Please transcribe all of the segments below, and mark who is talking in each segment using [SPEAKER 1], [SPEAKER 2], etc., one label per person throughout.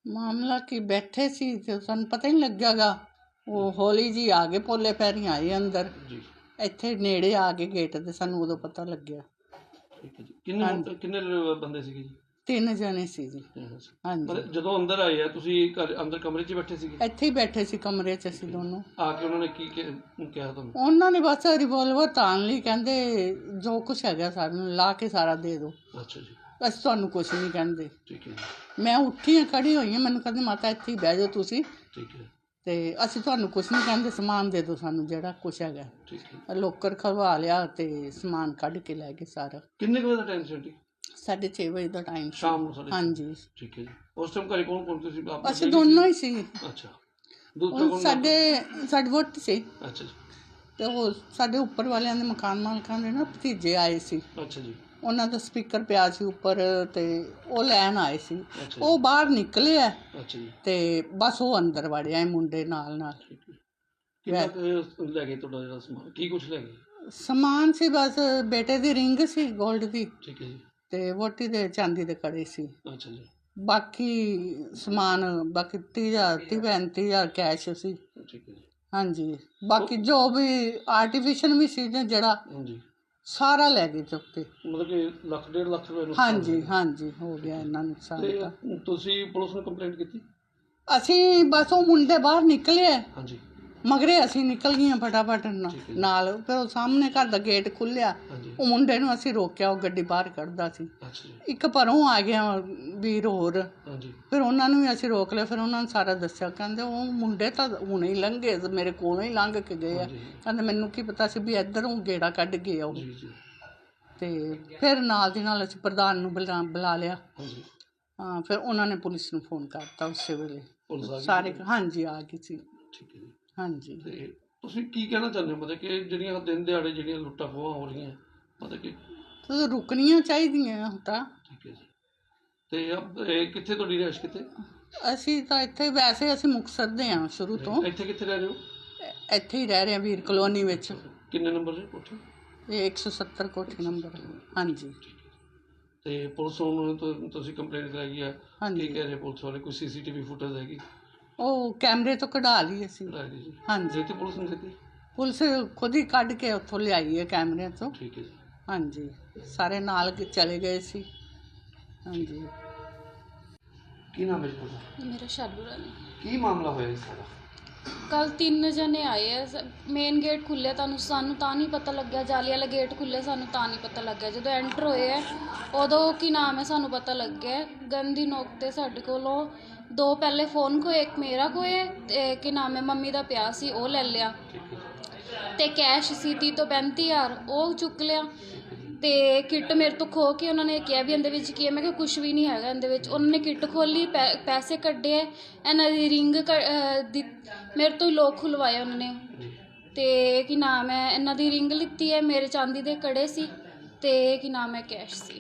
[SPEAKER 1] ਮਾਮਲਾ ਕੀ ਬੈਠੇ ਸੀ ਤੇ ਸਾਨੂੰ ਪਤਾ ਹੀ ਨਹੀਂ ਲੱਗਿਆਗਾ। ਉਹ ਹੌਲੀ ਜੀ ਆ ਗਏ, ਪੋਲੇ ਪੈਰੀਂ ਆਏ ਅੰਦਰ,
[SPEAKER 2] ਜੀ
[SPEAKER 1] ਇੱਥੇ ਨੇੜੇ ਆ ਕੇ ਗੇਟ ਤੇ ਸਾਨੂੰ ਉਦੋਂ ਪਤਾ ਲੱਗਿਆ।
[SPEAKER 2] ਠੀਕ ਹੈ ਜੀ। ਕਿੰਨੇ
[SPEAKER 1] ਹਾਂਜੀ।
[SPEAKER 2] ਕਿੰਨੇ ਬੰਦੇ ਸੀਗੇ ਜੀ?
[SPEAKER 1] 3 ਜਣੇ ਸੀ ਜੀ। ਹਾਂਜੀ,
[SPEAKER 2] ਮਤਲਬ ਜਦੋਂ ਅੰਦਰ ਆਏ ਆ ਤੁਸੀਂ ਘਰ ਅੰਦਰ ਕਮਰੇ 'ਚ ਹੀ ਬੈਠੇ ਸੀਗੇ?
[SPEAKER 1] ਇੱਥੇ ਹੀ ਬੈਠੇ ਸੀ ਕਮਰੇ 'ਚ ਅਸੀਂ ਦੋਨੋਂ।
[SPEAKER 2] ਆ ਕੇ ਉਹਨਾਂ ਨੇ ਕੀ ਕਿਹਾ ਤੁਹਾਨੂੰ?
[SPEAKER 1] ਉਹਨਾਂ ਨੇ ਬਸ ਰਿਵੋਲਵਰ ਤਾਣ ਲਈ, ਕਹਿੰਦੇ ਜੋ ਕੁਛ ਹੈਗਾ ਸਾਨੂੰ ਲਾ ਕੇ ਸਾਰਾ ਦੇ ਦਿਓ,
[SPEAKER 2] ਅੱਛਾ ਜੀ।
[SPEAKER 1] ਅਸੀਂ ਤੁਹਾਨੂੰ ਕੁਛ ਨਹੀਂ ਕਹਿੰਦੇ।
[SPEAKER 2] ਠੀਕ ਹੈ ਜੀ।
[SPEAKER 1] ਮੈਂ ਉੱਠੀ ਹਾਂ, ਖੜੀ ਹੋਈ ਹਾਂ, ਮੈਨੂੰ ਕਹਿੰਦੇ ਮਾਤਾ ਇੱਥੇ ਹੀ ਬਹਿ ਜਾਓ ਤੁਸੀਂ,
[SPEAKER 2] ਠੀਕ ਹੈ।
[SPEAKER 1] ਤੇ ਅਸੀਂ ਤੁਹਾਨੂੰ ਕੁਛ ਨਹੀਂ ਕਹਿੰਦੇ, ਸਮਾਨ ਦੇ ਦਿਓ ਸਾਨੂੰ ਜਿਹੜਾ ਕੁਛ ਹੈਗਾ।
[SPEAKER 2] ਠੀਕ ਹੈ।
[SPEAKER 1] ਲੋਕਰ ਖਲਵਾ ਲਿਆ ਤੇ ਸਮਾਨ ਕੱਢ ਕੇ ਲੈ ਗਏ ਸਾਰਾ।
[SPEAKER 2] ਕਿੰਨੇ ਕੁ ਵਜੇ ਦਾ ਟਾਈਮ ਸੀ ਆਂਟੀ?
[SPEAKER 1] 6:30 ਵਜੇ ਦਾ ਟਾਈਮ ਸੀ।
[SPEAKER 2] ਸ਼ਾਮ ਨੂੰ 6:30?
[SPEAKER 1] ਹਾਂਜੀ।
[SPEAKER 2] ਠੀਕ ਹੈ ਜੀ। ਉਸ ਟਾਈਮ ਘਰੇ ਕੌਣ ਕੌਣ ਤੁਸੀਂ?
[SPEAKER 1] ਅਸੀਂ ਦੋਨੋਂ ਹੀ ਸੀ।
[SPEAKER 2] ਅੱਛਾ। ਦੂਸਰਾ ਕੌਣ?
[SPEAKER 1] ਸਾਡੀ ਵਹੁਟੀ ਸੀ।
[SPEAKER 2] ਅੱਛਾ ਜੀ।
[SPEAKER 1] ਤੇ ਉਹ ਸਾਡੇ ਉੱਪਰ ਵਾਲਿਆਂ ਦੇ ਮਕਾਨ ਮਾਲਕਾਂ ਦੇ ਨਾ ਭਤੀਜੇ ਆਏ ਸੀ,
[SPEAKER 2] ਅੱਛਾ ਜੀ।
[SPEAKER 1] ਉਹਨਾਂ ਦਾ ਸਪੀਕਰ ਪਿਆ ਸੀ ਉੱਪਰ, ਤੇ ਉਹ ਲੈਣ ਆਏ ਸੀ।
[SPEAKER 2] ਅੱਛਾ
[SPEAKER 1] ਉਹ ਬਾਹਰ ਨਿਕਲੇ ਆ
[SPEAKER 2] ਅੱਛਾ ਜੀ।
[SPEAKER 1] ਤੇ ਬਸ ਉਹ ਅੰਦਰ ਵੜਿਆ ਇਹ ਮੁੰਡੇ ਨਾਲ।
[SPEAKER 2] ਠੀਕ ਹੈ। ਕਿੰਨਾ ਕੁ ਲੈ ਗਏ ਤੁਹਾਡਾ ਜਿਹੜਾ ਸਮਾਨ? ਕੀ ਕੁਛ ਲੈ ਗਏ?
[SPEAKER 1] ਸਮਾਨ ਸੀ ਬਸ ਬੇਟੇ ਦੀ ਰਿੰਗ ਸੀ 골ਡ ਦੀ,
[SPEAKER 2] ਠੀਕ ਹੈ ਜੀ।
[SPEAKER 1] ਤੇ ਵਹੁਟੀ ਦੇ ਚਾਂਦੀ ਦੇ ਕੜੇ ਸੀ।
[SPEAKER 2] ਅੱਛਾ ਜੀ।
[SPEAKER 1] ਬਾਕੀ ਸਮਾਨ ਬਾਕੀ 30,000 35,000 ਕੈਸ਼ ਸੀ।
[SPEAKER 2] ਠੀਕ ਹੈ ਜੀ।
[SPEAKER 1] ਹਾਂਜੀ। ਬਾਕੀ ਜੋ ਵੀ ਆਰਟੀਫਿਸ਼ਲ ਵੀ ਸੀ ਨਾ ਜਿਹੜਾ,
[SPEAKER 2] ਹਾਂਜੀ।
[SPEAKER 1] ਸਾਰਾ ਲੈ ਗਏ ਚੁੱਕ ਕੇ।
[SPEAKER 2] ਮਤਲਬ ਕਿ ਲੱਖ 1.5 ਲੱਖ ਰੁਪਏ ਨੂੰ?
[SPEAKER 1] ਹਾਂਜੀ ਹਾਂਜੀ, ਹੋ ਗਿਆ ਇਹਨਾਂ ਨੁਕਸਾਨ ਤਾਂ।
[SPEAKER 2] ਤੇ ਤੁਸੀਂ ਪੁਲਿਸ ਨੂੰ ਕੰਪਲੇਂਟ ਕੀਤੀ?
[SPEAKER 1] ਅਸੀਂ ਬਸ ਉਹ ਮੁੰਡੇ ਬਾਹਰ ਨਿਕਲੇ,
[SPEAKER 2] ਹਾਂਜੀ।
[SPEAKER 1] ਮਗਰੇ ਅਸੀਂ ਨਿਕਲ ਗਈਆਂ ਫਟਾਫਟ ਨਾਲ। ਫਿਰ ਉਹ ਸਾਹਮਣੇ ਘਰ ਦਾ ਗੇਟ ਖੁੱਲਿਆ,
[SPEAKER 2] ਹਾਂਜੀ।
[SPEAKER 1] ਉਹ ਮੁੰਡੇ ਨੂੰ ਅਸੀਂ ਰੋਕਿਆ, ਉਹ ਗੱਡੀ ਬਾਹਰ ਕੱਢਦਾ ਸੀ।
[SPEAKER 2] ਅੱਛਾ ਜੀ।
[SPEAKER 1] ਇੱਕ ਪਰੋਂ ਆ ਗਿਆ ਵੀਰ ਹੋਰ,
[SPEAKER 2] ਹਾਂਜੀ।
[SPEAKER 1] ਫਿਰ ਉਹਨਾਂ ਨੂੰ ਵੀ ਅਸੀਂ ਰੋਕ ਲਿਆ। ਫਿਰ ਉਹਨਾਂ ਨੂੰ ਸਾਰਾ ਦੱਸਿਆ, ਕਹਿੰਦੇ ਉਹ ਮੁੰਡੇ ਤਾਂ ਹੁਣੇ ਹੀ ਲੰਘੇ, ਮੇਰੇ ਕੋਲੋਂ ਹੀ ਲੰਘ ਕੇ ਗਏ ਆ।
[SPEAKER 2] ਹਾਂਜੀ।
[SPEAKER 1] ਕਹਿੰਦੇ ਮੈਨੂੰ ਕੀ ਪਤਾ ਸੀ ਵੀ ਇੱਧਰੋਂ ਗੇੜਾ ਕੱਢ ਗਏ ਆ ਉਹ।
[SPEAKER 2] ਜੀ ਜੀ।
[SPEAKER 1] ਤੇ ਫਿਰ ਨਾਲ ਦੀ ਨਾਲ ਅਸੀਂ ਪ੍ਰਧਾਨ ਨੂੰ ਬੁਲਾ ਲਿਆ।
[SPEAKER 2] ਹਾਂਜੀ।
[SPEAKER 1] ਹਾਂ, ਫਿਰ ਉਹਨਾਂ ਨੇ ਪੁਲਿਸ ਨੂੰ ਫੋਨ ਕਰਤਾ ਉਸੇ ਵੇਲੇ।
[SPEAKER 2] ਪੁਲਿਸ ਆ ਗਈ?
[SPEAKER 1] ਸਾਰੇ ਹਾਂਜੀ ਆ ਗਈ ਸੀ।
[SPEAKER 2] ਠੀਕ ਹੈ ਜੀ।
[SPEAKER 1] ਹਾਂਜੀ।
[SPEAKER 2] ਤੇ ਤੁਸੀਂ ਕੀ ਕਹਿਣਾ ਚਾਹੁੰਦੇ ਹੋ, ਮਤਲਬ ਕਿ ਜਿਹੜੀਆਂ ਦਿਨ ਦਿਹਾੜੇ ਜਿਹੜੀਆਂ ਲੁੱਟਾਂ ਖੋਹਾਂ ਹੋ ਰਹੀਆਂ, ਮਤਲਬ ਕਿ?
[SPEAKER 1] ਤਾਂ ਰੁਕਣੀਆਂ ਚਾਹੀਦੀਆਂ ਹੁਣ ਤਾਂ।
[SPEAKER 2] ਠੀਕ ਹੈ ਜੀ। ਤੇ ਇਹ ਕਿੱਥੇ ਤੁਹਾਡੀ ਰਿਹਾਇਸ਼ ਕਿੱਥੇ?
[SPEAKER 1] ਅਸੀਂ ਤਾਂ ਇੱਥੇ, ਵੈਸੇ ਅਸੀਂ ਮੁਕਤਸਰ ਦੇ ਹਾਂ ਸ਼ੁਰੂ ਤੋਂ।
[SPEAKER 2] ਇੱਥੇ ਕਿੱਥੇ ਰਹਿ ਰਹੇ ਹੋ?
[SPEAKER 1] ਇੱਥੇ ਹੀ ਰਹਿ ਰਹੇ ਹਾਂ ਵੀਰ ਕਲੋਨੀ ਵਿੱਚ।
[SPEAKER 2] ਕਿੰਨੇ ਨੰਬਰ ਦੀ ਕੋਠੀ?
[SPEAKER 1] ਇਹ 170 ਕੋਠੀ ਨੰਬਰ। ਹਾਂਜੀ।
[SPEAKER 2] ਤੇ ਪੁਲਿਸ ਨੂੰ ਤੁਸੀਂ ਕੰਪਲੇਂਟ ਕਰਾਈ ਹੈ?
[SPEAKER 1] ਹਾਂਜੀ।
[SPEAKER 2] ਕੀ ਕਹਿ ਰਹੇ ਪੁਲਿਸ ਵਾਲੇ? ਕੋਈ ਸੀਸੀਟੀਵੀ ਫੁਟੇਜ ਹੈਗੀ?
[SPEAKER 1] ਉਹ ਕੈਮਰੇ ਤੋਂ ਕਢਾ ਲਈ ਅਸੀਂ।
[SPEAKER 2] ਜੀ।
[SPEAKER 1] ਹਾਂਜੀ।
[SPEAKER 2] ਦਿੱਤੀ ਪੁਲਿਸ ਨੂੰ? ਦਿੱਤੀ?
[SPEAKER 1] ਪੁਲਿਸ ਖੁਦ ਹੀ ਕੱਢ ਕੇ ਉੱਥੋਂ ਲਿਆਈ ਹੈ ਕੈਮਰਿਆਂ ਤੋਂ।
[SPEAKER 2] ਠੀਕ ਹੈ ਜੀ।
[SPEAKER 1] ਹਾਂਜੀ। ਸਾਰੇ ਨਾਲ ਚਲੇ ਗਏ ਸੀ। ਹਾਂਜੀ।
[SPEAKER 2] ਕੀ ਨਾਮ ਹੈ ਜੀ ਤੁਹਾਡਾ?
[SPEAKER 3] ਮੇਰਾ ਸ਼ਾਲੂ ਰਾਣੀ।
[SPEAKER 2] ਕੀ ਮਾਮਲਾ ਹੋਇਆ ਇਸ ਸਾਰਾ?
[SPEAKER 3] ਕੱਲ 3 ਜਣੇ ਆਏ ਆ। ਮੇਨ ਗੇਟ ਖੁੱਲ੍ਹਿਆ, ਸਾਨੂੰ ਤਾਂ ਨਹੀਂ ਪਤਾ ਲੱਗਿਆ। ਜਾਲੀ ਵਾਲਾ ਗੇਟ ਖੁੱਲ੍ਹਿਆ, ਸਾਨੂੰ ਤਾਂ ਨਹੀਂ ਪਤਾ ਲੱਗਿਆ। ਜਦੋਂ ਐਂਟਰ ਹੋਏ ਆ ਉਦੋਂ ਕੀ ਨਾਮ ਹੈ ਸਾਨੂੰ ਪਤਾ ਲੱਗਿਆ। ਗੰਦੀ ਨੋਕ 'ਤੇ ਸਾਡੇ ਕੋਲੋਂ 2 ਪਹਿਲੇ ਫ਼ੋਨ ਖੋਏ, ਇੱਕ ਮੇਰਾ ਖੋਏ, ਅਤੇ ਕੀ ਨਾਮ ਹੈ ਮੰਮੀ ਦਾ ਪਿਆ ਸੀ ਉਹ ਲੈ ਲਿਆ, ਅਤੇ ਕੈਸ਼ ਸੀ 30 ਤੋਂ 35,000 ਉਹ ਚੁੱਕ ਲਿਆ। ਅਤੇ ਕਿੱਟ ਮੇਰੇ ਤੋਂ ਖੋਹ ਕੇ ਉਹਨਾਂ ਨੇ ਕਿਹਾ ਵੀ ਇਹਦੇ ਵਿੱਚ ਕੀ ਹੈ। ਮੈਂ ਕਿਹਾ ਕੁਛ ਵੀ ਨਹੀਂ ਹੈਗਾ ਇਹਦੇ ਵਿੱਚ। ਉਹਨਾਂ ਨੇ ਕਿੱਟ ਖੋਲ੍ਹੀ, ਪੈਸੇ ਕੱਢੇ, ਇਹਨਾਂ ਦੀ ਰਿੰਗ ਮੇਰੇ ਤੋਂ ਹੀ ਲੋਕ ਖੁਲਵਾਏ ਉਹਨਾਂ ਨੇ। ਅਤੇ ਕੀ ਨਾਮ ਹੈ ਇਹਨਾਂ ਦੀ ਰਿੰਗ ਲਿੱਤੀ ਹੈ, ਮੇਰੇ ਚਾਂਦੀ ਦੇ ਕੜੇ ਸੀ, ਅਤੇ ਕੀ ਨਾਮ ਹੈ ਕੈਸ਼ ਸੀ।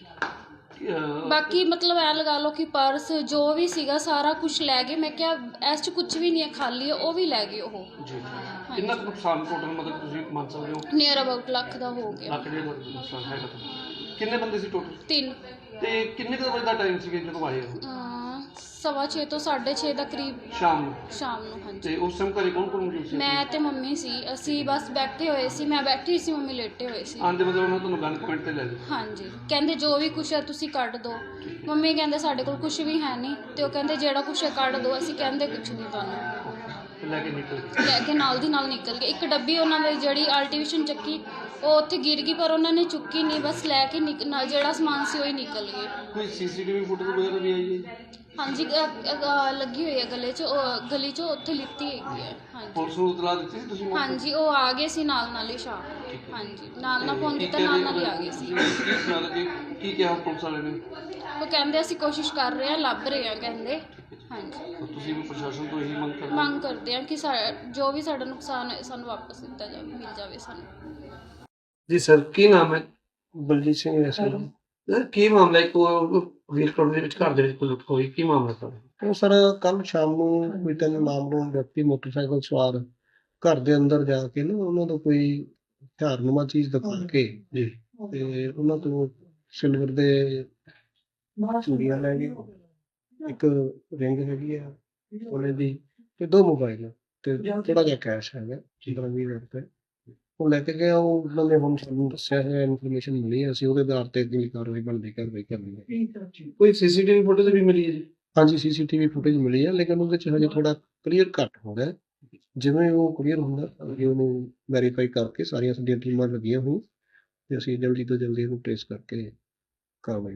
[SPEAKER 3] ਬਾਕੀ ਮਤਲਬ ਐਂ ਲਗਾ ਲਓ ਕਿ ਪਰਸ ਜੋ ਵੀ ਸੀਗਾ ਸਾਰਾ ਕੁਛ ਲੈ ਗਏ। ਮੈਂ ਕਿਹਾ ਇਸ 'ਚ ਕੁਛ ਵੀ ਨਹੀਂ ਹੈ, ਖਾਲੀ ਹੈ, ਉਹ ਵੀ ਲੈ ਗਏ ਉਹ।
[SPEAKER 2] ਕਿੰਨਾ ਕੁ ਨੁਕਸਾਨ ਟੋਟਲ ਮਤਲਬ ਤੁਸੀਂ ਮੰਨ ਸਕਦੇ ਹੋ?
[SPEAKER 3] ਨੀਅਰ ਅਬਾਊਟ ਲੱਖ ਦਾ ਹੋ ਗਿਆ।
[SPEAKER 2] ਲੱਖ 1.5 ਲੱਖ ਦਾ ਨੁਕਸਾਨ ਹੈਗਾ ਤੁਹਾਡਾ। ਕਿੰਨੇ ਬੰਦੇ ਸੀ ਟੋਟਲ?
[SPEAKER 3] 3।
[SPEAKER 2] ਤੇ ਕਿੰਨੇ ਕੁ ਵਜੇ ਦਾ ਟਾਈਮ ਸੀਗਾ ਜਦੋਂ ਆਏ ਹੋ?
[SPEAKER 3] 6:15 ਤੋਂ 6:30 ਦਾ ਕਰੀਬ
[SPEAKER 2] ਸ਼ਾਮ ਨੂੰ?
[SPEAKER 3] ਸ਼ਾਮ ਨੂੰ। ਹਾਂਜੀ।
[SPEAKER 2] ਤੇ ਉਸ ਟਾਈਮ ਘਰੇ ਕੌਣ ਕੌਣ ਮੌਜੂਦ ਸੀ?
[SPEAKER 3] ਮੈਂ ਤੇ ਮੰਮੀ ਸੀ। ਅਸੀਂ ਬਸ ਬੈਠੇ ਹੋਏ ਸੀ, ਮੈਂ ਬੈਠੀ ਸੀ, ਮੰਮੀ ਲੇਟੇ ਹੋਏ ਸੀ।
[SPEAKER 2] ਆਂਦੇ ਮਤਲਬ ਉਹਨਾਂ ਤੁਹਾਨੂੰ ਗਨ ਪੁਆਇੰਟ ਤੇ ਲੈ ਗਏ?
[SPEAKER 3] ਹਾਂਜੀ। ਕਹਿੰਦੇ ਜੋ ਵੀ ਕੁਛ ਹੈ ਤੁਸੀਂ ਕੱਢ ਦਿਓ। ਮੰਮੀ ਕਹਿੰਦੇ ਸਾਡੇ ਕੋਲ ਕੁਛ ਵੀ ਹੈ ਨਹੀਂ, ਅਤੇ ਉਹ ਕਹਿੰਦੇ ਜਿਹੜਾ ਕੁਛ ਹੈ ਕੱਢ ਦਿਓ। ਅਸੀਂ ਕਹਿੰਦੇ ਕੁਛ ਨਹੀਂ ਤੁਹਾਨੂੰ।
[SPEAKER 2] ਲੈ ਕੇ ਨਿਕਲ ਗਏ?
[SPEAKER 3] ਲੈ ਕੇ ਨਾਲ ਦੀ ਨਾਲ ਨਿਕਲ ਗਏ। ਇੱਕ ਡੱਬੀ ਉਹਨਾਂ ਦੀ ਜਿਹੜੀ ਆਰਟੀਫਿਸ਼ਲ ਚੱਕੀ ਉਹ ਉੱਥੇ ਗਿਰ ਗਈ, ਪਰ ਉਹਨਾਂ ਨੇ ਚੁੱਕੀ ਨਹੀਂ, ਬਸ ਲੈ ਕੇ ਜਿਹੜਾ ਸਮਾਨ ਸੀ ਉਹ ਹੀ ਨਿਕਲ ਗਏ।
[SPEAKER 2] ਕੋਈ ਸੀਸੀਟੀਵੀ ਫੁਟੇਜ ਵਗੈਰਾ ਵੀ ਆਈ ਹੈ?
[SPEAKER 3] ਹਾਂਜੀ, ਲੱਗੀ ਹੋਈ ਹੈ ਗਲੇ 'ਚ, ਗਲੀ 'ਚ ਉੱਥੇ ਲਿੱਤੀ ਹੈਗੀ ਹੈ। ਹਾਂਜੀ।
[SPEAKER 2] ਪੁਲਿਸ ਨੂੰ ਇਤਲਾਹ ਦਿੱਤੀ ਸੀ ਤੁਸੀਂ?
[SPEAKER 3] ਹਾਂਜੀ, ਉਹ ਆ ਗਏ ਸੀ ਨਾਲ ਹੀ ਸ਼ਾਮ। ਹਾਂਜੀ, ਨਾਲ ਫੋਨ ਕੀਤਾ, ਨਾਲ ਹੀ ਆ ਗਏ ਸੀ।
[SPEAKER 2] ਕੀ ਕਿਹਾ ਪੁਲਿਸ ਵਾਲੇ ਨੇ?
[SPEAKER 3] ਉਹ ਕਹਿੰਦੇ ਅਸੀਂ ਕੋਸ਼ਿਸ਼ ਕਰ ਰਹੇ ਹਾਂ, ਲੱਭ ਰਹੇ ਹਾਂ ਕਹਿੰਦੇ। ਹਾਂਜੀ।
[SPEAKER 2] ਤੁਸੀਂ ਵੀ ਪ੍ਰਸ਼ਾਸਨ ਤੋਂ ਇਹੀ
[SPEAKER 3] ਮੰਗ ਕਰਦੇ ਹਾਂ ਕਿ ਜੋ ਵੀ ਸਾਡਾ ਨੁਕਸਾਨ ਹੈ ਸਾਨੂੰ ਵਾਪਸ ਦਿੱਤਾ ਜਾਵੇ, ਮਿਲ ਜਾਵੇ ਸਾਨੂੰ।
[SPEAKER 2] ਜੀ ਸਰ, ਕੀ ਨਾਮ ਹੈ? ਬਲਜੀਤ ਸਿੰਘ ਹੈ ਸਰ। ਕੀ ਮਾਮਲਾ ਹੈ? ਵੀਰ ਕੋਲ ਦੇ ਵਿੱਚ ਘਰ ਦੇ ਵਿੱਚ ਕੋਈ ਲੁੱਟ ਹੋਈ, ਕੀ ਮਾਮਲਾ ਸਰ?
[SPEAKER 4] ਉਹ ਸਰ ਕੱਲ ਸ਼ਾਮ ਨੂੰ ਕੋਈ 3 ਨਾਮਲੂਮ ਵਿਅਕਤੀ ਮੋਟਰਸਾਈਕਲ ਸਵਾਰ ਘਰ ਦੇ ਅੰਦਰ ਜਾ ਕੇ ਨਾ ਉਹਨਾਂ ਤੋਂ ਕੋਈ ਹਥਿਆਰਨੁਮਾ ਚੀਜ਼ ਦਿਖਾ ਕੇ ਜੀ ਤੇ ਉਹਨਾਂ ਤੋਂ ਸਿਲਵਰ ਦੇ ਚੂੜੀਆਂ ਲੈ ਗਏ ਇੱਕ ਰਿੰਗ ਹੈਗੀ ਆ ਉਹਨੇ ਦੀ ਤੇ 2 ਮੋਬਾਈਲ ਤੇ ਥੋੜਾ ਜਿਹਾ ਕੈਸ਼ ਹੈਗਾ 15-20 ਰੁਪਏ ਉਹ ਲੈ ਕੇ ਗਿਆ। ਉਹ ਉਹਨਾਂ ਨੇ ਹੁਣ ਸਾਨੂੰ ਦੱਸਿਆ ਹੈ, ਇਨਫੋਰਮੇਸ਼ਨ ਮਿਲੀ ਹੈ, ਅਸੀਂ ਉਹਦੇ ਆਧਾਰ ਤੇ ਅਗਲੀ ਕਾਰਵਾਈ ਬਣਦੀ ਕਰਨੀ ਹੈ।
[SPEAKER 2] ਕੋਈ ਸੀਸੀਟੀਵੀ ਫੁਟੇਜ ਵੀ ਮਿਲੀ ਹੈ ਜੀ?
[SPEAKER 4] ਹਾਂਜੀ ਸੀਸੀਟੀਵੀ ਫੁਟੇਜ ਮਿਲੀ ਹੈ, ਲੇਕਿਨ ਉਹਦੇ 'ਚ ਹਜੇ ਥੋੜਾ ਕਲੀਅਰ ਘੱਟ ਹੋ ਰਿਹਾ। ਜਿਵੇਂ ਉਹ ਕਲੀਅਰ ਹੁੰਦਾ ਅੱਗੇ ਉਹਨੂੰ ਵੈਰੀਫਾਈ ਕਰਕੇ ਸਾਰੀਆਂ ਸਾਡੀਆਂ ਟੀਮਾਂ ਲੱਗੀਆਂ ਹੋਈਆਂ ਤੇ ਅਸੀਂ ਜਲਦੀ ਤੋਂ ਜਲਦੀ ਇਹਨੂੰ ਟ੍ਰੇਸ ਕਰਕੇ ਕਾਰਵਾਈ